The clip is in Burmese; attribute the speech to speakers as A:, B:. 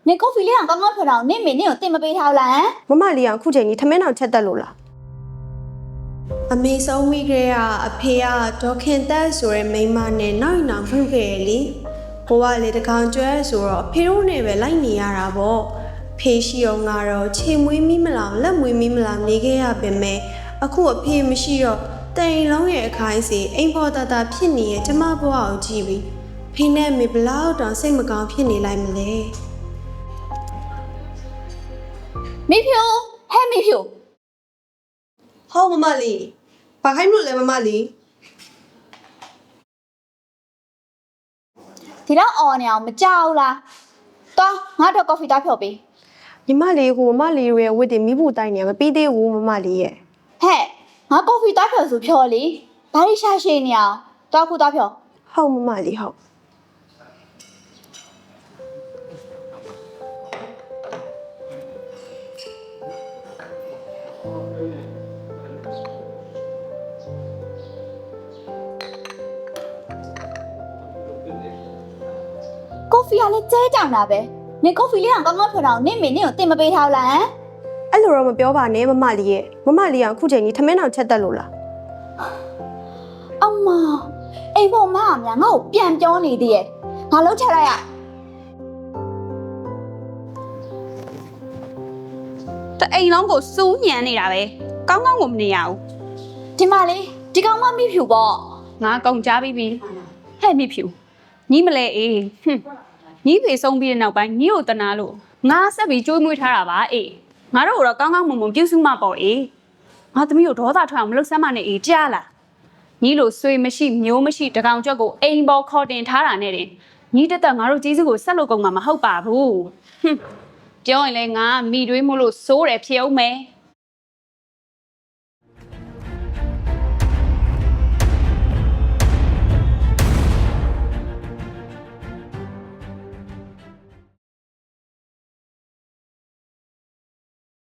A: 你过飞两刚刚碰到你明年有对么被掏啦？
B: မမလေးကအခုချိန်ကြီးထမင်းတောင်ချက်တက်လို့လား
C: အမေဆုံးမိခဲ့ရအဖေကဒေါခင်တက်ဆိုတဲ့မိန်းမနဲ့နောက်နောက်မှုခဲ့ရလေဘိုးကလေတကောင်ကျွဲဆိုတော့အဖေတို့နဲ့ပဲလိုက်နေရတာပေါ့ဖေရှိအောင်ကတော့ခြေမွေးမိမလားလက်မွေးမိမလားနေခဲ့ရပင်မဲ့အခုအဖေမရှိတော့တိမ်လုံးရဲ့အခိုင်းစီအိမ်ဖော်တတာဖြစ်နေရဲ့ကျမဘွားကိုကြည့်ပြီးဖေနဲ့မေဘလောက်တောင်စိတ်မကောင်းဖြစ်နေလိုက်မလဲ
A: 没票，还没票。
C: ဟောမမလေးဘာခိုင်းလို့လဲမမလေး
A: ဒီတော့အော်နေအောင်မကြောက်လားတော်ငါတော့ကော်ဖီသားဖြော်ပေး
B: ညီမလေးကိုမမလေးရဲ့ဝတ်တင်မိဖို့တိုင်းနေမပြီးသေးဘူးမမလေးရဲ့
A: ဟဲ့ငါကော်ဖီသားဖြော်ဆိုဖြော်လေဘာလို့ရှာရှည်နေအောင်တော်ခုသားဖြော်
B: ဟုတ်မမလေးဟုတ်
A: ကော်ဖီကလည်းကျဲကြောင်တာပဲနေကော်ဖီလေးကကောင်းကောင်းဖြော်တော့နေမင်းနေကိုတင်မပေးထားလား
B: အဲ့လိုတော့မပြောပါနဲ့မမလေးရဲ့မမလေးကအခုချိန်ကြီးထမင်းတောင်ချက်တက်လို့လား
A: အမအိမ်ပေါ်မှာများငါ့ကိုပြန်ပြောနေသေးရဲ့ငါလုံးချက်လိုက်ရ
D: တအိမ်လုံးကိုစူးညံနေတာပဲကောင်းကောင်းကိုမနေရဘူး
A: ဒီမလေးဒီကောင်မမိဖြူပေါ့
D: ငါကုန်ကြပြီးပြီဟဲ့မိဖြူညီမလဲအေးဟွန်းညီဖေဆုံးပြီးတဲ့နောက်ပိုင်းညီကိုတနာလို့ငါဆက်ပြီးကြိုးမွေးထားတာပါအေးငါတို့တော့ကောင်းကောင်းမွန်မွန်ပြုစုမှပေါ့အေးငါသမီးကိုဒေါသထွက်အောင်မလုပ်စမ်းမနဲ့အေးကြားလားညီလိုဆွေမရှိမျိုးမရှိတကောင်ကြွက်ကိုအိမ်ပေါ်ခေါ်တင်ထားတာနဲ့တင်ညီတက်တက်ငါတို့ကြီးစုကိုဆက်လို့ကုန်မှာမဟုတ်ပါဘူးဟွန်းပြောရင်လဲငါမိတွေးမို့လို့စိုးတယ်ဖြစ်အောင်မယ်